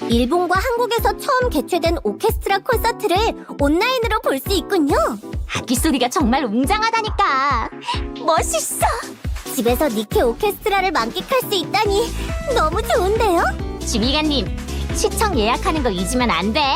일본과 한국에서 처음 개최된 오케스트라 콘서트를 온라인으로 볼 수 있군요. 악기 소리가 정말 웅장하다니까. 멋있어. 집에서 니케 오케스트라를 만끽할 수 있다니 너무 좋은데요? 지휘관님, 시청 예약하는 거 잊으면 안 돼.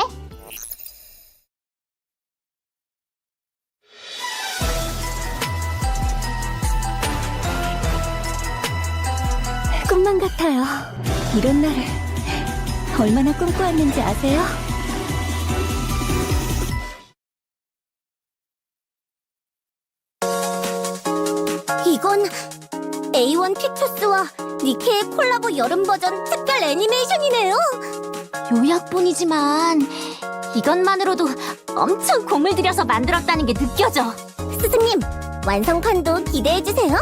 꿈만 같아요. 이런 날을 얼마나 꿈꿔왔는지 아세요? 이건 A1 피처스와 니케의 콜라보 여름 버전 특별 애니메이션이네요. 요약본이지만 이것만으로도 엄청 공을 들여서 만들었다는 게 느껴져. 스승님, 완성판도 기대해주세요.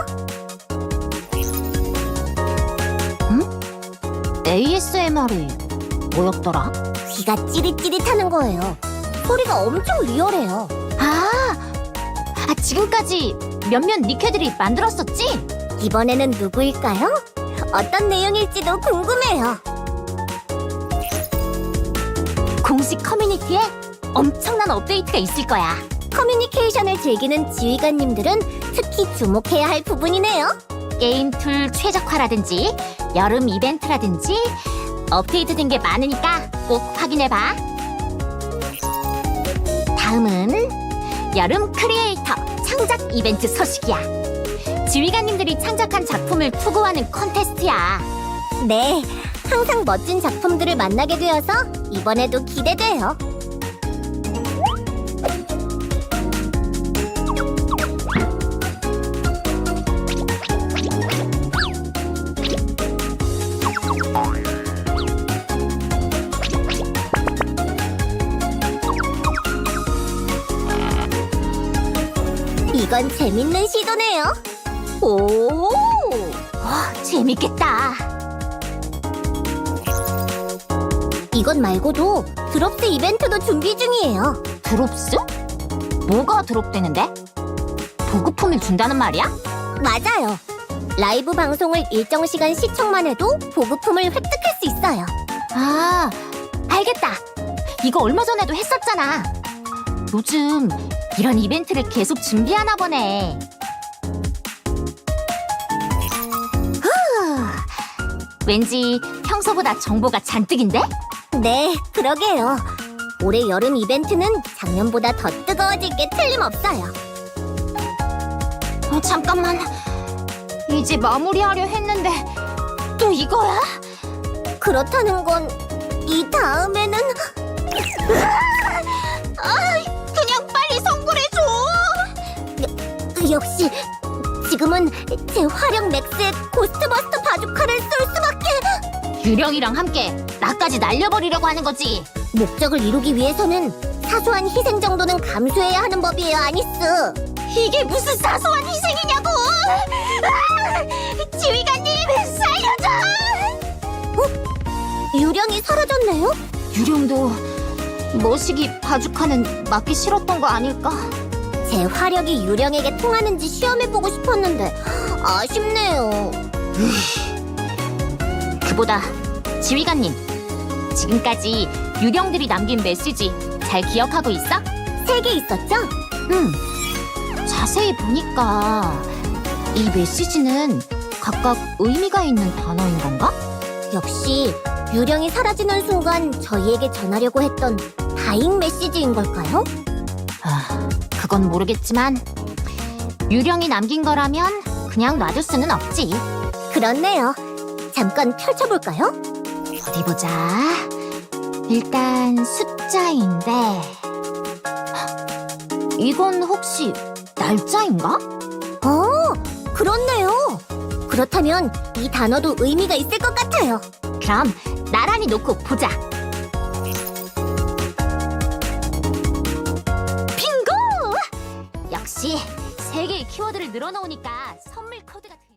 ASMR이 뭐였더라? 귀가 찌릿찌릿하는 거예요. 소리가 엄청 리얼해요. 지금까지 몇몇 니케들이 만들었었지? 이번에는 누구일까요? 어떤 내용일지도 궁금해요. 공식 커뮤니티에 엄청난 업데이트가 있을 거야. 커뮤니케이션을 즐기는 지휘관님들은 특히 주목해야 할 부분이네요. 게임 툴 최적화라든지 여름 이벤트라든지 업데이트된 게 많으니까 꼭 확인해봐. 다음은 여름 크리에이터 창작 이벤트 소식이야. 지휘관님들이 창작한 작품을 투고하는 콘테스트야. 네, 항상 멋진 작품들을 만나게 되어서 이번에도 기대돼요. 이건 재밌는 시도네요. 오, 재밌겠다. 이것 말고도 드롭스 이벤트도 준비 중이에요. 드롭스? 뭐가 드롭되는데? 보급품을 준다는 말이야? 맞아요. 라이브 방송을 일정 시간 시청만 해도 보급품을 획득할 수 있어요. 아, 알겠다. 이거 얼마 전에도 했었잖아. 요즘 이런 이벤트를 계속 준비하나 보네. 왠지 평소보다 정보가 잔뜩인데? 네, 그러게요. 올해 여름 이벤트는 작년보다 더 뜨거워질 게 틀림없어요. 잠깐만. 이제 마무리하려 했는데 또 이거야? 그렇다는 건 이 다음에는 그냥 빨리 성불해줘. 역시 지금은 제 화력 맥스의 고스트버스터 바주카를 쏠 수밖에. 유령이랑 함께 나까지 날려버리려고 하는 거지. 목적을 이루기 위해서는 사소한 희생 정도는 감수해야 하는 법이에요, 아니스. 이게 무슨 사소한 희생이냐고! 지휘관님, 살려줘! 유령이 사라졌네요? 유령도 머시기 바주카는 맞기 싫었던 거 아닐까? 제 화력이 유령에게 통하는지 시험해보고 싶었는데 아쉽네요. 그보다 지휘관님, 지금까지 유령들이 남긴 메시지 잘 기억하고 있어? 3개 있었죠? 응. 자세히 보니까 이 메시지는 각각 의미가 있는 단어인 건가? 역시 유령이 사라지는 순간 저희에게 전하려고 했던 다잉 메시지인 걸까요? 그건 모르겠지만 유령이 남긴 거라면 그냥 놔둘 수는 없지. 그렇네요. 잠깐 펼쳐볼까요? 어디 보자. 일단 숫자인데 이건 혹시 날짜인가? 그렇네요. 그렇다면 이 단어도 의미가 있을 것 같아요. 그럼 나란히 놓고 보자. 빙고! 역시 3개의 키워드를 늘어놓으니까 선물 코드가